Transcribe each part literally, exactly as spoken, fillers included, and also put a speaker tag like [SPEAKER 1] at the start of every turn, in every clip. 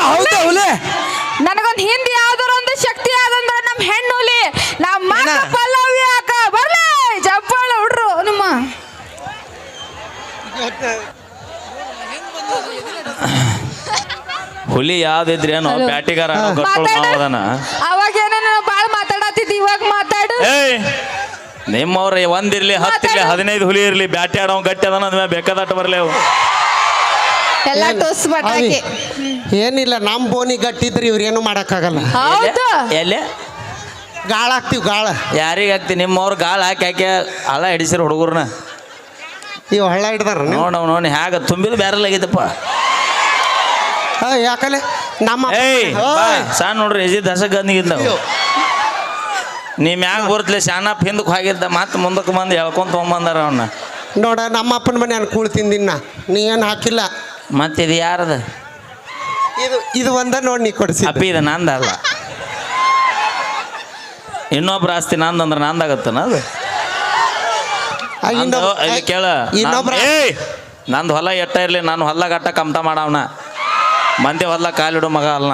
[SPEAKER 1] ಹೌದಾ ಹುಲಿ
[SPEAKER 2] ನನಗೊಂದು ಹಿಂದಿ ಯಾವ್ದಾರ ಒಂದು ಶಕ್ತಿ ಆದಂದ್ರ ನಮ್ಮ ಹೆಣ್ಣು ಹುಲಿ ನಮ್ಮ ಪಲ್ಲವಿ ಅಕ್ಕ ಬರ್ಲಿ ಜಪ್ಪಾಳ ಹುಡ್ರು ನಿಮ್ಮ
[SPEAKER 3] ಹುಲಿ ಯಾವ್ದಿದ್ರಿ ಏನೋ ಬ್ಯಾಟಿಗಾರ
[SPEAKER 2] ಅವಾಗ ಏನೋ ಬಾಳ ಮಾತಾಡತ್ತಿದ್ದಿ ಇವಾಗ ಮಾತಾಡು
[SPEAKER 3] ನಿಮ್ಮವ್ರ ಒಂದಿರ್ಲಿ ಹತ್ತಿರ್ಲಿ ಹದಿನೈದು ಹುಲಿ ಇರ್ಲಿ ಬ್ಯಾಟಿ ಆಡೋ ಗಟ್ಟಿ ಅದ ಅಂದ್ಮೇಲೆ ಬೇಕಾದಟ್ಟು ಬರ್ಲಿ ಅವು
[SPEAKER 2] ಎಲ್ಲ ಟೋಸ್ ಬಟಾಕಿ
[SPEAKER 1] ಏನಿಲ್ಲ ನಮ್ಮ ಬೋನಿ ಗಟ್ಟಿದ್ರಿ ಇವ್ರೇನು ಮಾಡಕ್ಕಾಗಲ್ಲ
[SPEAKER 2] ಹೌದು
[SPEAKER 3] ಎಲ್ಲಿ
[SPEAKER 1] ಗಾಳ ಹಾಕ್ತಿವಿ ಗಾಳ
[SPEAKER 3] ಯಾರಿಗೆ ಹಾಕ್ತಿ ನಿಮ್ಮವ್ರು ಗಾಳ ಹಾಕಿ ಹಾಕಿ ಹಳ ಹಿಡಿಸಿರು ಹುಡುಗರ್ನ
[SPEAKER 1] ಇವ್ ಹಳ್ಳ ಹಿಡ್ದಾರ
[SPEAKER 3] ನೋಡ ನೋಡಿ ಹ್ಯಾಗ ತುಂಬಿದು ಬ್ಯಾರಲ್ ಆಗೈತಪ್ಪ
[SPEAKER 1] ಯಾಕಲೆ ನಮ್ಮ
[SPEAKER 3] ಏಯ್ ಸಣ್ಣ ನೋಡ್ರಿ ಎಜಿ ದಸಗಂದಿಗಿಂದ ನೀ ಮ್ಯಾಗ ಬರ್ತಲೆ ಶಾನಪ್ ಹಿಂದಕ್ಕೆ ಹೋಗಿದ್ದ ಮತ್ತೆ ಮುಂದಕ್ಕೆ ಬಂದು ಹೇಳ್ಕೊಂತ ತೊಗೊಂಬಂದಾರ ಅವನ್ನ
[SPEAKER 1] ನೋಡ ನಮ್ಮ ಅಪ್ಪನ ಮನೆ ನಾನು ಕೂಳ್ ತಿಂದಿನ್ನ ನೀ ಏನು ಹಾಕಿಲ್ಲ
[SPEAKER 3] ಮತ್ತೆ ಇದು ಯಾರದ
[SPEAKER 1] ಇದು ಇದು ಒಂದ ನೋಡಿ ನೀ ಕೊಡಿಸಿ
[SPEAKER 3] ಅಪ್ಪಿ ಇದು ನಂದ ಅಲ್ಲ ಇನ್ನೊಬ್ರ ಆಸ್ತಿ ನಂದು ಅಂದ್ರೆ ನಂದಾಗತ್ತನ ಅದು ಕೇಳ ಏಯ್ ನಂದು ಹೊಲ ಎಟ್ಟ ಇರಲಿ ನಾನು ಹೊಲ ಗಟ್ಟ ಕಮ್ತ ಮಾಡವನ ಮಂದಿ ಹೊಲ ಕಾಲಿಡು ಮಗ ಅಲ್ಲ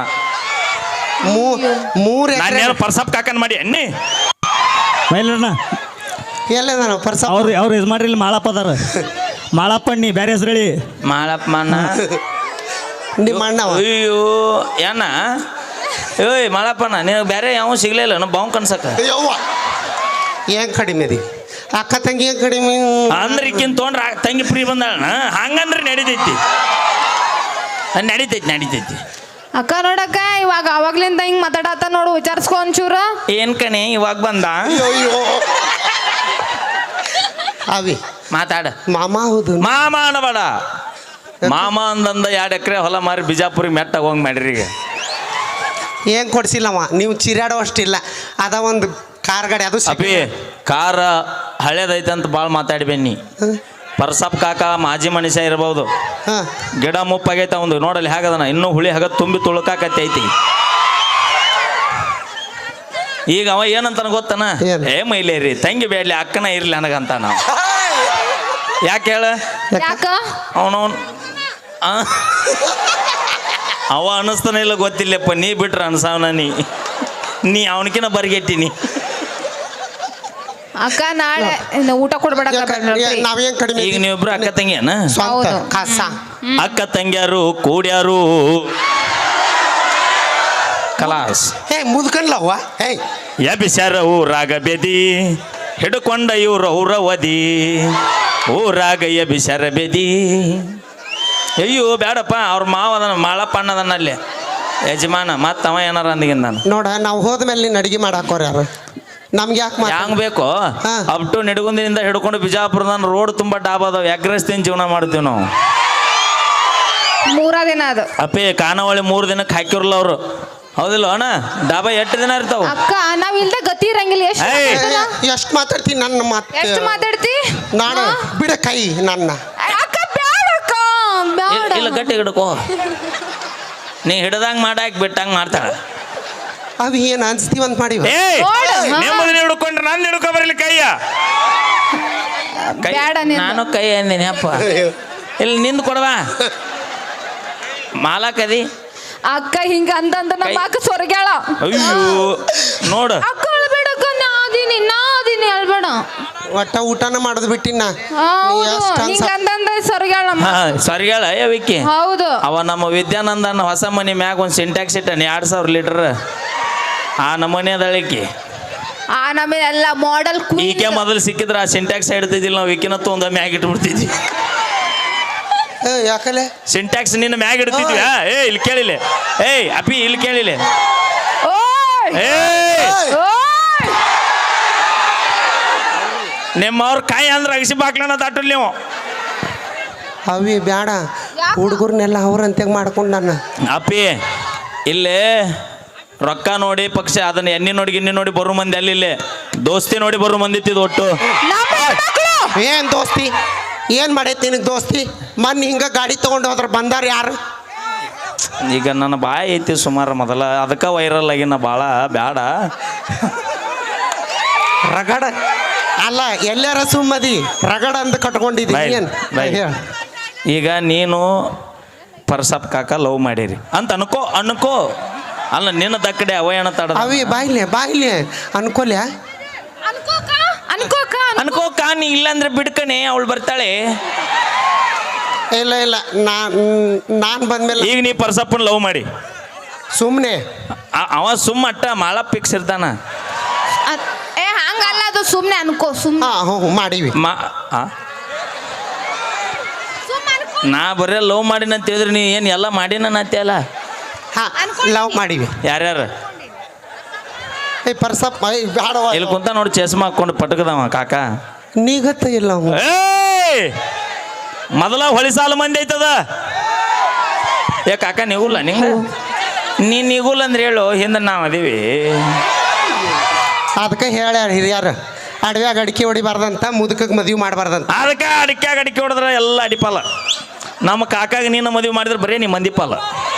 [SPEAKER 1] ಮೂರು
[SPEAKER 3] ನಾನೇನು ಪರ್ಸಪ್ ಕಾಕನ್ ಮಾಡಿ ಎಣ್ಣಿ
[SPEAKER 4] ಮೈಲಣ್ಣ
[SPEAKER 1] ಎಲ್ಲ ಪರ್ಸ
[SPEAKER 4] ಅವ್ರು ಅವ್ರು ಇದು ಮಾಡ್ರಿ ಇಲ್ಲಿ ಮಾಳಪ್ಪ ಅದಾರ ಮಾಳಪ್ಪ ನೀ ಬೇರೆ ಹೆಸರು ಹೇಳಿ
[SPEAKER 3] ಮಾಳಪ್ಪ ಅಣ್ಣ
[SPEAKER 1] ನಿಮ್ಮ ಅಣ್ಣ
[SPEAKER 3] ಅಯ್ಯೋ ಏನ ಏಯ್ ಮಾಳಪ್ಪಣ್ಣ ನೀವು ಬೇರೆ ಯಾವ ಸಿಗ್ಲಿಲ್ಲ ನಾವು ಬಾವು ಕನ್ಸಕ್ಕ
[SPEAKER 1] ಏನ್ ಕಡಿಮೆ ಅದಿ ಅಕ್ಕ ತಂಗಿ ಏನ್ ಕಡಿಮೆ
[SPEAKER 3] ಅಂದ್ರೆ ಈಕಿನ್ ತೊಗೊಂಡ್ರ ತಂಗಿ ಫ್ರೀ ಬಂದಾಳ ಹಂಗಂದ್ರೆ ನಡಿತೈತಿ ನಡಿತೈತಿ ನಡಿತೈತಿ
[SPEAKER 2] ಅಕ್ಕ ನೋಡಕ್ಕ ಇವಾಗ ಅವಾಗ್ಲಿಂದ ಹಿಂಗ್ ಮಾತಾಡತ್ತ ನೋಡು ವಿಚಾರಿಸ್ಕೊ ಒಂಚೂರ
[SPEAKER 3] ಏನ್ ಕಣೆ ಇವಾಗ ಬಂದ
[SPEAKER 1] ಅವಿ
[SPEAKER 3] ಮಾತಾಡ
[SPEAKER 1] ಮಾಮ ಹೌದು
[SPEAKER 3] ಮಾಮ ಅನ್ನಬೇಡ ಮಾಮ ಅಂದಂದ ಎರಡು ಎಕರೆ ಹೊಲ ಮಾರಿ ಬಿಜಾಪುರಿಗೆ ಮೆಟ್ಟಾಗ ಹೋಗಿ ಮಾಡ್ರಿ ಈಗ
[SPEAKER 1] ಏನ್ ಕೊಡ್ಸಿಲ್ಲವ ನೀವು ಚಿರಾಡೋ ಅಷ್ಟಿಲ್ಲ ಅದ ಒಂದು ಕಾರ್ ಗಾಡಿ ಅದು
[SPEAKER 3] ಅಪ್ಪಿ ಕಾರ ಹಳೇದೈತೆ ಅಂತ ಭಾಳ ಮಾತಾಡಿ ಬನ್ನಿ ಪರ್ಸಪ್ ಕಾಕ ಮಾಜಿ ಮನುಷ್ಯ ಇರ್ಬೋದು ಗಿಡ ಮುಪ್ಪಾಗೈತೆ ಒಂದು ನೋಡಲ್ಲಿ ಹೇಗದನ ಇನ್ನೂ ಹುಳಿ ಹಾಗ ತುಂಬಿ ತುಳುಕಾಕತ್ತೆ ಐತಿ ಈಗ ಅವ ಏನಂತಾನ ಗೊತ್ತನ ಏ ಮೈಲೇರಿ ತಂಗಿ ಬೇಡ್ಲಿ ಅಕ್ಕನ ಇರ್ಲಿ ನನಗಂತ ನಾವು ಯಾಕೆ ಹೇಳ ಅವನವನ್ ಅವ ಅನಿಸ್ತಾನೆ ಇಲ್ಲ ಗೊತ್ತಿಲ್ಲಪ್ಪ ನೀ ಬಿಟ್ರ ಅನ್ಸವನ ನೀ ನೀ ಅವನಕಿನ ಬರ್ಗೆಟ್ಟಿನಿ
[SPEAKER 2] ಅಕ್ಕ ನಾಳೆ ಊಟ ಕೊಡ್ಬೇಡ
[SPEAKER 1] ನಾವೇನ್ ಕಡಿಮೆ
[SPEAKER 3] ಈಗ ನೀವಿಬ್ರು ಅಕ್ಕ ತಂಗಿಯನ
[SPEAKER 1] ಕಸ
[SPEAKER 3] ಅಕ್ಕ ತಂಗಿಯಾರು ಕೂಡ್ಯಾರು ಕಲಾಸ್
[SPEAKER 1] ಹೇ ಮುದ್ಕನ್ಲವ್ವ ಹೇ
[SPEAKER 3] ಎಬಿಸರ ಊರಾಗ ಬೆದಿ ಹಿಡ್ಕೊಂಡ ಇವ್ರ ಊರ ಒದಿ ಊರಾಗ ಎಬಿಸರ ಬೆದಿ ಅಯ್ಯೋ ಬೇಡಪ್ಪ ಅವ್ರ ಮಾವದನ ಮಾಳಪ್ಪ ಅಣ್ಣದನಲ್ಲಿ ಯಜಮಾನ ಮತ್ತ ಅವ ಏನಾರ ಅಂದಿಗಿಂದ ನಾನು
[SPEAKER 1] ನೋಡ ನಾವು ಹೋದ್ಮೇಲೆ ನೀನು ಅಡಿಗೆ ಮಾಡಾಕೋರ ಯಾರು ನಮ್ಗೆ ಯಾಕೆ
[SPEAKER 3] ಹ್ಯಾಂಗ ಬೇಕು ಅಪ್ ಟು ನಿಡಗುಂದಿನಿಂದ ಹಿಡ್ಕೊಂಡು ಬಿಜಾಪುರದ ರೋಡ್ ತುಂಬಾ ಡಾಬ್ ಅದಾವ ಎಗ್ರೆಸ್ ತಿನ್ ಜೀವನ ಮಾಡ್ತೀವಿ ನಾವು
[SPEAKER 2] ಮೂರ ದಿನ ಅದು
[SPEAKER 3] ಅಪ್ಪೇ ಖಾನಾವಳಿ ಮೂರು ದಿನಕ್ಕೆ ಹಾಕಿರಲ್ಲ ಅವರು ಹೌದಿಲ್ಲ ಅಣ್ಣ ಡಾಬಾ ಎಷ್ಟು ದಿನ ಇರ್ತಾವ
[SPEAKER 2] ಅಕ್ಕ ನಾವ್ ಇಲ್ದ ಗತಿ ಇರಂಗಿಲ್ಲ
[SPEAKER 1] ಎಷ್ಟು ಮಾತಾಡ್ತೀನಿ ನನ್ನ ಮಾತು
[SPEAKER 2] ಎಷ್ಟು ಮಾತಾಡ್ತಿ
[SPEAKER 1] ನಾನು ಬಿಡ ಕೈ ನನ್ನ
[SPEAKER 2] ಅಕ್ಕ ಬ್ಯಾಡ ಅಕ್ಕ ಬ್ಯಾಡ
[SPEAKER 3] ಇಲ್ಲ ಗಟ್ಟಿ ಹಿಡ್ಕೋ ನೀ ಹಿಡ್ದಂಗ ಮಾಡಾಕ್ ಬಿಟ್ಟಂಗ ಮಾಡ್ತಾಳ
[SPEAKER 1] ಅವಿ ಏನು ಅನ್ಸ್ತೀವಂತ ಮಾಡಿ
[SPEAKER 3] ನೆಮ್ಮದಿ ಹಿಡ್ಕೊಂಡ್ರೆ ನಾನು ಹಿಡ್ಕೊ ಬರಲಿ ಕೈಯ ನಾನು ಕೈ ಅಂದಿನಿ ಅಪ್ಪ ಇಲ್ಲಿ ನಿಂದು ಕೊಡವಾ ಮಾಲಾಕದಿ
[SPEAKER 2] ಅಕ್ಕ ಹಿಂಗ ಅಂತಂದ ನಮ್ಮ ಅಕ್ಕ ಸೊರಗ್ಯಾಳ
[SPEAKER 3] ಅಯ್ಯೋ ನೋಡು
[SPEAKER 2] ಅಕ್ಕ ಅಳ್ಬೇಡಕ್ಕ ನಾದಿನಿ ನಾದಿನಿ ಅಳ್ಬೇಡ
[SPEAKER 1] ಒಟ್ಟ ಊಟನ ಮಾಡೋದು ಬಿಟ್ಟಿನ
[SPEAKER 2] ಹಿಂಗ ಅಂತಂದ ಸೊರಗ್ಯಾಳ
[SPEAKER 3] ಸರಿಗಳ ವಿಕ್ಕಿ
[SPEAKER 2] ಹೌದು
[SPEAKER 3] ಅವ ನಮ್ಮ ವಿದ್ಯಾನಂದನ ಹೊಸ ಮನಿ ಮ್ಯಾಗ ಒಂದು ಸಿಂಟ್ಯಾಕ್ಸ್ ಇಟ್ಟನಿ ಎರಡ್ ಸಾವಿರ ಲೀಟರ್ ಆ ನಮೂನಿ ಅದಳಿಕೆ
[SPEAKER 2] ಆ ನಮಗೆ ಎಲ್ಲ ಮಾಡೆಲ್
[SPEAKER 3] ಈಕೆ ಮೊದಲು ಸಿಕ್ಕಿದ್ರೆ ಆ ಸಿಂಟ್ಯಾಕ್ಸ್ ಹಿಡ್ತಿದ್ದಿಲ್ಲ ನಾವು ವಿಕಿನತ್ತು ಒಂದು ಮ್ಯಾಗ ಇಟ್ಬಿಡ್ತಿದ್ವಿ
[SPEAKER 1] ಯಾಕಲೆ
[SPEAKER 3] ಸಿಂಟ್ಯಾಕ್ಸ್ ನಿನ್ನ ಮ್ಯಾಗ ಇಡ್ತಿದ್ವಿ ಏ ಇಲ್ಲಿ ಕೇಳಿಲ್ಲ ಏಯ್ ಅಪ್ಪಿ ಇಲ್ಲಿ ಕೇಳಿಲ್ಲ ನಿಮ್ಮವ್ರ ಕಾಯಿ ಅಂದ್ರೆ ಅಗಸಿ ಬಾಕ್ಲನ ದಾಟಲ್ ನೀವು
[SPEAKER 1] ಅವಿ ಬ್ಯಾಡ ಹುಡುಗರ್ನೆಲ್ಲ ಅವ್ರಂತೆ ಮಾಡ್ಕೊಂಡು ನಾನು
[SPEAKER 3] ಅಪ್ಪಿ ಇಲ್ಲೇ ರೊಕ್ಕ ನೋಡಿ ಪಕ್ಷ ಅದನ್ನ ಎಣ್ಣೆ ನೋಡಿ ಗಿಣ್ಣಿ ನೋಡಿ ಬರೋ ಮಂದಿ ಅಲ್ಲಿ ದೋಸ್ತಿ ನೋಡಿ ಬರೋ ಮಂದಿ ಇತ್ತಿದ್ದು ಒಟ್ಟು
[SPEAKER 1] ಏನ್ ದೋಸ್ತಿ ಏನ್ ಮಾಡೈತಿ ನಿನಗೆ ದೋಸ್ತಿ ಮೊನ್ನೆ ಹಿಂಗ ಗಾಡಿ ತಗೊಂಡು ಹೋದ್ರ ಬಂದಾರ ಯಾರು
[SPEAKER 3] ಈಗ ನನ್ನ ಬಾಯಿ ಐತಿ ಸುಮಾರು ಮೊದಲ ಅದಕ್ಕೆ ವೈರಲ್ ಆಗಿನ ಭಾಳ ಬ್ಯಾಡ
[SPEAKER 1] ರಗಡ ಅಲ್ಲ ಎಲ್ಲಾರ ಸುಮ್ಮದಿ ರಗಡ ಅಂತ ಕಟ್ಕೊಂಡಿದ್ದೀನಿ
[SPEAKER 3] ಈಗ ನೀನು ಪರ್ಸಪ್ ಕಾಕ ಲವ್ ಮಾಡಿರಿ ಅಂತ ಅನ್ಕೋ ಅನ್ಕೋ ಅಲ್ಲ ನಿನ್ನ ದಕ್ಕಡೆ ಅವಯಣ ತಡ
[SPEAKER 1] ಅವಿ ಬಾಯ್ಲೆ ಬಾಯ್ಲೆ ಅನ್ಕೊಲ್ಯ
[SPEAKER 2] ಅನ್ಕೋಕ ಅನ್ಕೋಕ
[SPEAKER 3] ಅನ್ಕೋ ಕಾ ನೀ ಇಲ್ಲಾಂದ್ರೆ ಬಿಡ್ಕಣೆ ಅವಳು ಬರ್ತಾಳೆ.
[SPEAKER 1] ಇಲ್ಲ ಇಲ್ಲ ನಾನ್ ನಾನ್ ಬಂದ್ಮೇಲೆ
[SPEAKER 3] ಈಗ ನೀ ಪರ್ಸಪ್ಪನ ಲವ್ ಮಾಡಿ
[SPEAKER 1] ಸುಮ್ಮನೆ
[SPEAKER 3] ಆ- ಅವ ಸುಮ್ಮ ಅಟ್ಟ ಮಾಳ ಪಿಕ್ಸ್ ಇರ್ತಾನ.
[SPEAKER 2] ಅದ್- ಏ ಹಂಗಲ್ಲ ಅದು ಸುಮ್ನೆ ಅನ್ಕೋ ಸುಮ್ನೆ
[SPEAKER 1] ಹಾ ಹ್ಞೂ ಹ್ಞೂ ಮಾಡೀವಿ
[SPEAKER 3] ಮಾ ಆ?
[SPEAKER 2] ಸುಮ್ನೆ ಅನ್ಕೋ
[SPEAKER 3] ನಾ ಬರೇ ಲವ್ ಮಾಡಿನ ಅಂತ ಹೇಳಿದ್ರೆ ನೀ ಏನು ಎಲ್ಲ ಮಾಡಿನ ಅಲ್ಲ.
[SPEAKER 1] ಹಾ ಲವ್ ಮಾಡೀವಿ.
[SPEAKER 3] ಯಾರ್ಯಾರು
[SPEAKER 1] ಏ ಪರ್ಸಪ್ ಏ ಬ್ಯಾಡವ
[SPEAKER 3] ಇಲ್ಲಿ ಕುಂತ ನೋಡಿ ಚಸ್ಮಾ ಹಾಕೊಂಡು ಪಟಕದವ ಕಾಕ.
[SPEAKER 1] ನೀಗತ್ತ ಇಲ್ಲ ಅವ
[SPEAKER 3] ಏಯ್ ಮೊದಲ ಹೊಳಿ ಸಾಲು ಮಂದಿ ಐತದ. ಏ ಕಾಕ ನೀಗುಲ್ಲ ನಿಂಗ ನೀ ನೀಗುಲ್ಲ ಅಂದ್ರೆ ಹೇಳು ಹಿಂದೆ ನಾವು ಅದೀವಿ.
[SPEAKER 1] ಅದಕ್ಕೆ ಹೇಳ್ಯಾರ ಹಿರಿಯರು ಅಡವ್ಯಾಗ ಅಡಿಕೆ ಹೊಡಿಬಾರ್ದಂತ ಮುದುಕಕ್ಕೆ ಮದುವೆ ಮಾಡಬಾರ್ದಂತ.
[SPEAKER 3] ಅದಕ್ಕೆ ಅಡಿಕೆ ಅಡಿಕೆ ಹೊಡೆದ್ರೆ ಎಲ್ಲ ಅಡಿಪಾಲ. ನಮ್ಮ ಕಾಕಾಗ ನೀನು ಮದುವೆ ಮಾಡಿದ್ರೆ ಬರೀ ನೀ ಮಂದಿಪಾಲ.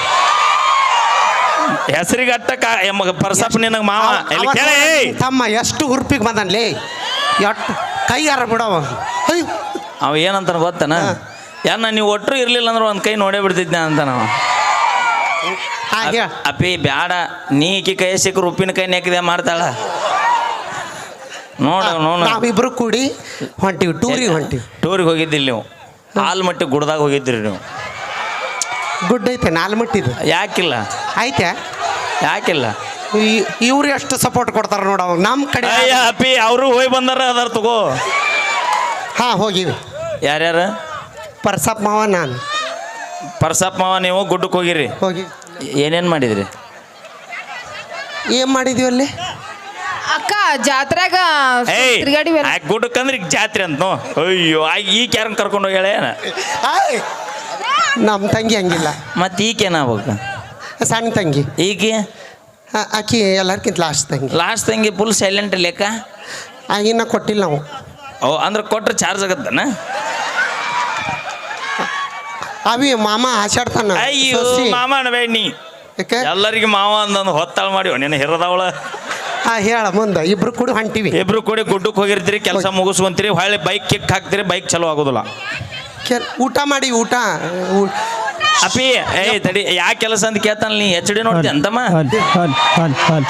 [SPEAKER 3] ಹೆಸರಿಗೆ ಅಟ್ಟ ಕಾ ಎಮ್ಮ ಪರ್ಸಪ್ ನಿನಗೆ ಮಾವ ಎಲ್ಲಿ
[SPEAKER 1] ಅವ-
[SPEAKER 3] ಕೇಳಿ
[SPEAKER 1] ತಮ್ಮ ಎಷ್ಟು ಹುರುಪಿಗೆ ಬಂದನ್ಲೇ ಎಷ್ಟು ಕೈ ಯಾರ ಬಿಡವ ಅಯ್ಯೋ
[SPEAKER 3] ಅವ ಏನಂತಾನ ಗೊತ್ತನ ಯಾನ ನೀವು ಒಟ್ಟರು ಇರ್ಲಿಲ್ಲ ಅಂದ್ರೆ ಒಂದು ಕೈ ನೋಡೇ ಬಿಡ್ತಿದ್ನ ಅಂತ ನಾವು.
[SPEAKER 1] ಹಾಗೆ
[SPEAKER 3] ಅಪ್ಪಿ ಬ್ಯಾಡ ನೀ ಈಕಿ ಕೈ ಸಿಕ್ಕರು ಉಪ್ಪಿನ ಕೈ ನೆಕ್ಕಿದೆ ಮಾಡ್ತಾಳ ನೋಡ ನೋಡ.
[SPEAKER 1] ನಾವಿಬ್ರು ಕೂಡಿ ಹೊಂಟಿವಿ ಟೂರಿಗೆ ಹೊಂಟಿವಿ.
[SPEAKER 3] ಟೂರಿಗೆ ಹೋಗಿದ್ದಿಲ್ಲ ನೀವು ಆಲ್ಮಟ್ಟಿ ಗುಡ್ದಾಗ ಹೋಗಿದ್ರಿ ನೀವು.
[SPEAKER 1] ಗುಡ್ ಐತೆ ನಾಲ್ಮಟ್ಟಿದು
[SPEAKER 3] ಯಾಕಿಲ್ಲ
[SPEAKER 1] ಐತೆ
[SPEAKER 3] ಯಾಕಿಲ್ಲ
[SPEAKER 1] ಇವ್ರು ಎಷ್ಟು ಸಪೋರ್ಟ್ ಕೊಡ್ತಾರ ನೋಡ ನಮ್ಮ ಕಡೆ.
[SPEAKER 3] ಅಯ್ಯ ಅಪ್ಪಿ ಅವರು ಹೋಗಿ ಬಂದಾರ ಅದಾರ ತಗೋ.
[SPEAKER 1] ಹಾ ಹೋಗಿವಿ
[SPEAKER 3] ಯಾರ್ಯಾರು
[SPEAKER 1] ಪರ್ಸಪ್ ಮಾವ ನಾನು
[SPEAKER 3] ಪರ್ಸಪ್ಪ ಮಾವ ನೀವು ಗುಡ್ಡಕ್ಕೆ ಹೋಗಿರಿ.
[SPEAKER 1] ಹೋಗಿ
[SPEAKER 3] ಏನೇನು ಮಾಡಿದ್ರಿ
[SPEAKER 1] ಏನ್ ಮಾಡಿದ್ವಿ ಅಲ್ಲಿ
[SPEAKER 2] ಅಕ್ಕ ಜಾತ್ರೆಗ
[SPEAKER 3] ಏಯ್
[SPEAKER 2] ತಿರ್ಗಾಡಿ ಬೇರೆ
[SPEAKER 3] ಆ ಗುಡ್ಡಕ್ಕೆ ಅಂದ್ರೆ ಈಗ ಜಾತ್ರೆ ಅಂತ ನೋ. ಅಯ್ಯೋ ಆ ಈಗ ಯಾರನ್ನ ಕರ್ಕೊಂಡು ಹೋಗ್ಯಾಳ ಏನ
[SPEAKER 1] ಆಯ್! ನಮ್ಮ ತಂಗಿ ಹಂಗಿಲ್ಲ
[SPEAKER 3] ಮತ್ತೆ ಈಗೇನಾಗ್ಬೇಕು
[SPEAKER 1] ಸಣ್ಣ ತಂಗಿ
[SPEAKER 3] ಈಗ
[SPEAKER 1] ಆ- ಆಕಿ ಎಲ್ಲರ್ಕಿಂತ ಲಾಸ್ಟ್ ತಂಗಿ
[SPEAKER 3] ಲಾಸ್ಟ್ ತಂಗಿ ಫುಲ್ ಸೈಲೆಂಟ್ ಲೆಕ್ಕ.
[SPEAKER 1] ಆಗಿನ ಕೊಟ್ಟಿಲ್ಲ ನಾವು.
[SPEAKER 3] ಓ ಅಂದ್ರೆ ಕೊಟ್ರೆ ಚಾರ್ಜ್ ಆಗತ್ತನ.
[SPEAKER 1] ಅವಿ ಮಾಮ ಆಚಾಡ್ತಾನ
[SPEAKER 3] ಅಯ್ಯೋ
[SPEAKER 1] ಸೊಸಿ.
[SPEAKER 3] ಮಾಮ ಅನ್ಬೇಡ ನೀ
[SPEAKER 1] ಯಾಕೆ
[SPEAKER 3] ಎಲ್ಲರಿಗೆ ಮಾವ ಅಂದಂದು ಹೊತ್ತಾಳ ಮಾಡಿ ನಿನ್ನ ಹಿರದವಳ.
[SPEAKER 1] ಹಾ ಹೇಳ ಮುಂದೆ ಇಬ್ರು ಕೂಡ ಹೊಂಟಿವಿ.
[SPEAKER 3] ಇಬ್ರು ಕೂಡಿ ಗುಡ್ಡಕ್ಕೆ ಹೋಗಿರ್ತೀರಿ ಕೆಲಸ ಮುಗಿಸ್ಕೊಂತೀರಿ ಹೊಳ್ಳಿ ಬೈಕ್ ಕಿಕ್ ಹಾಕ್ತೀರಿ ಬೈಕ್ ಚಲೋ ಆಗೋದಿಲ್ಲ.
[SPEAKER 1] ಕೆಲ್- ಊಟ ಮಾಡಿ ಊಟ ಊ-
[SPEAKER 3] ಅಪ್ಪಿ ಏಯ್ ತಡಿ ಯಾ ಕೆಲಸ ಅಂತ ಕೇಳ್ತಾನ ನೀ ಎಚ್ ಡಿ ನೋಡ್ತಿ ಅಂತಮ್ಮ.
[SPEAKER 4] ಹಲ್ ಹಲ್ ಹಲ್ ಹಲ್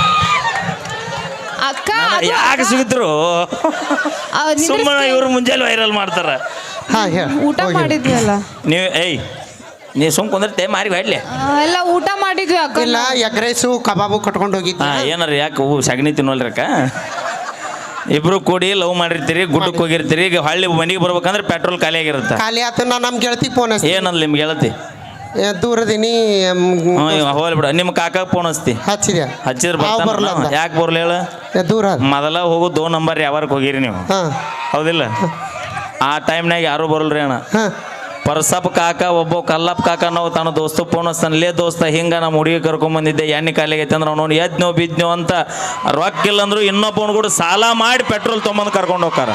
[SPEAKER 2] ಅಕ್ಕ ಅದು
[SPEAKER 3] ಯಾಕೆ ಸಿಗಿದ್ರು
[SPEAKER 2] ಆ, ನಿಂದ್ರಿಸ್ತಿ-
[SPEAKER 3] ಸುಮ್ಮನೆ ಇವ್ರು ಮುಂಜಾನೆ ವೈರಲ್ ಮಾಡ್ತಾರ.
[SPEAKER 1] ಹಾ ಹೇಳ
[SPEAKER 2] ಊಟ ಮಾಡಿದ್ವಿ ಅಲ್ಲ
[SPEAKER 3] ನೀವು ಏಯ್ ನೀ ಸುಮ್ ಕುಂದಿರ್ತೆ ಮಾರಿ ಹೊಡ್ಲಿ.
[SPEAKER 2] ಆ, ಎಲ್ಲ ಊಟ ಮಾಡಿದ್ವಿ ಅಕ್ಕ
[SPEAKER 1] ಇಲ್ಲ ಎಗ್ ರೈಸು ಕಬಾಬು ಕಟ್ಕೊಂಡು ಹೋಗಿದ್ವಿ.
[SPEAKER 3] ಹಾ ಏನಾರ ಯಾಕೆ ಹೂ ಸಗಣಿ ತಿನ್ನೋಲ್ರಕ್ಕ. ಇಬ್ರು ಕೂಡಿ ಲವ್ ಮಾಡಿರ್ತೀರಿ ಗುಡ್ಡಕ್ಕೆ ಹೋಗಿರ್ತೀರಿ ಈಗ ಹಳ್ಳಿ ಮನೆಗೆ ಬರ್ಬೇಕಂದ್ರೆ ಪೆಟ್ರೋಲ್ ಖಾಲಿ ಆಗಿರುತ್ತೆ.
[SPEAKER 1] ಖಾಲಿ ಆತ ನಾ ನಮ್ಮ ಗೆಳತಿ ಫೋನ್ ಹಚ್ತಿ
[SPEAKER 3] ಏನಲ್ಲ ನಿಮ್ಗೆ ಹೇಳತಿ
[SPEAKER 1] ದೂರದಿನಿ
[SPEAKER 3] ಹೋಗ್ಲಿ ಬಿಡ ನಿಮ್ಮ ಕಾಕ ಫೋನ್ ಹಚ್ತಿ
[SPEAKER 1] ಹಚ್ಚಿದೆ
[SPEAKER 3] ಹಚ್ಚಿದ್ರೆ
[SPEAKER 1] ಅವ್
[SPEAKER 3] ಬರ್ತಾನ
[SPEAKER 1] ಬರ್ಲ ಅಂದ.
[SPEAKER 3] ಯಾಕೆ ಬರ್ಲಿ ಹೇಳ
[SPEAKER 1] ಏ, ದೂರ ಅದ.
[SPEAKER 3] ಮೊದಲ ಹೋಗು ದೋ ನಂಬರ್ ಯಾವಾರಕ್ಕೆ ಹೋಗಿರಿ ನೀವು
[SPEAKER 1] ಹಾ
[SPEAKER 3] ಹೌದಿಲ್ಲ ಆ ಟೈಮ್ನಾಗ ಯಾರು ಬರಲ್ರಿ ಅಣ್ಣ.
[SPEAKER 1] ಹಾ
[SPEAKER 3] ಪರ್ಸಪ್ ಕಾಕ ಒಬ್ಬ ಕಲ್ಲಪ್ಪ ಕಾಕ ನಾವು ತನ್ನ ದೋಸ್ತ ಫೋನ್ ಹಚ್ತಾನ ಲೇ ದೋಸ್ತ ಹಿಂಗ ನಮ್ಮ ಹುಡುಗಿ ಕರ್ಕೊಂಬಂದಿದ್ದೆ ಎಣ್ಣೆ ಕಾಲಿಗೆ ಐತೆ ಅಂದ್ರೆ ಅವ್ನು ಎದ್ನೋ ಬಿದ್ನೋ ಅಂತ ರೊಕ್ಕ ಇಲ್ಲ ಅಂದ್ರು ಇನ್ನೊಬ್ಬನ ಕೂಡ ಸಾಲ ಮಾಡಿ ಪೆಟ್ರೋಲ್ ತೊಗೊಂಬಂದು ಕರ್ಕೊಂಡು ಹೋಗ್ತಾರ.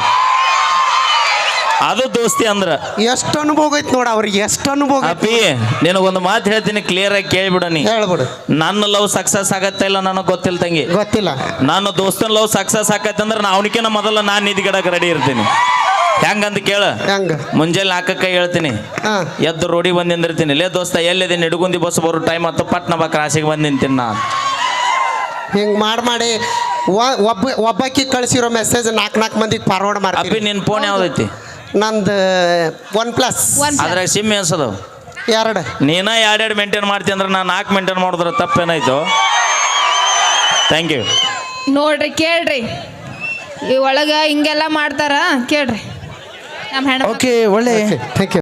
[SPEAKER 3] ಅದು ದೋಸ್ತಿ ಅಂದ್ರ
[SPEAKER 1] ಎಷ್ಟು ಅನುಭವ ಐತಿ ನೋಡ ಅವ್ರಿಗೆ ಎಷ್ಟು ಅನುಭವ ಐತಿ.
[SPEAKER 3] ಅಪ್ಪಿ ನಿನಗೊಂದು ಮಾತು ಹೇಳ್ತೀನಿ ಕ್ಲಿಯರ್ ಆಗಿ ಕೇಳಿಬಿಡ ನೀ.
[SPEAKER 1] ಹೇಳ್ಬಿಡು
[SPEAKER 3] ನನ್ನ ಲವ್ ಸಕ್ಸಸ್ ಆಗತ್ತೆ ಇಲ್ಲ ನನಗೆ ಗೊತ್ತಿಲ್ಲ ತಂಗಿ.
[SPEAKER 1] ಗೊತ್ತಿಲ್ಲ
[SPEAKER 3] ನನ್ನ ದೋಸ್ತನ ಲವ್ ಸಕ್ಸಸ್ ಆಕತ್ತೆ ಅಂದ್ರೆ ನಾ ಅವನಿಕಿನ ಮೊದಲ ನಾನು ನಿಧಿಗಿಡಕ್ಕೆ ರೆಡಿ ಇರ್ತೀನಿ. ಹೆಂಗಂತ ಕೇಳ
[SPEAKER 1] ಹೆಂಗ
[SPEAKER 3] ಮುಂಜಾನೆ ನಾಲ್ಕಕ್ಕೆ ಹೇಳ್ತೀನಿ
[SPEAKER 1] ಹಾ
[SPEAKER 3] ಎದ್ದು ರೋಡಿಗೆ ಬಂದು ನಿಂದಿರ್ತೀನಿ ಲೇ ದೋಸ್ತ ಎಲ್ಲಿದೆ ನಿಡುಗುಂದಿ ಬಸ್ ಬರೋ ಟೈಮ್ ಆಯ್ತು ಪಟ್ನ ಬಾ ಕ್ರಾಸಿಗೆ ಬಂದು ನಿಂತೀನಿ ನಾ.
[SPEAKER 1] ಹಿಂಗ್ ಮಾಡಿ ಮಾಡಿ ಒ- ಒಬ್ಬ ಒಬ್ಬಾಕಿ ಕಳಿಸಿರೋ ಮೆಸೇಜ್ ನಾಲ್ಕು ನಾಲ್ಕು ಮಂದಿಗೆ ಫಾರ್ವರ್ಡ್
[SPEAKER 3] ಅಪ್ಪಿ
[SPEAKER 1] ಮಾಡ್ತೀನಿ.
[SPEAKER 3] ನಿನ್ನ ಫೋನ್ ಯಾವ್ದೈತಿ
[SPEAKER 1] ನಂದು ಒನ್ ಪ್ಲಸ್
[SPEAKER 2] One plus.
[SPEAKER 3] ಅದ್ರಾಗ ಸಿಮ್ ಎನ್ಸದವು
[SPEAKER 1] ಎರಡು
[SPEAKER 3] ನೀನ ಎರಡೆರಡು ಮೇಂಟೈನ್ ಮಾಡ್ತೀನಿ ಅಂದ್ರೆ ನಾನು ನಾಲ್ಕು ಮೇಂಟೈನ್ ಮಾಡಿದ್ರೆ ತಪ್ಪೇನಾಯ್ತು. Thank you.
[SPEAKER 2] ನೋಡ್ರಿ ಕೇಳ್ರಿ ಈ ಒಳಗ ಹಿಂಗೆಲ್ಲ ಮಾಡ್ತಾರ ಕೇಳ್ರಿ ನಮ್ಮ ಹೆಣ್ಣ
[SPEAKER 1] ಓಕೆ ಒಳ್ಳೆ ಥ್ಯಾಂಕ್ ಯು.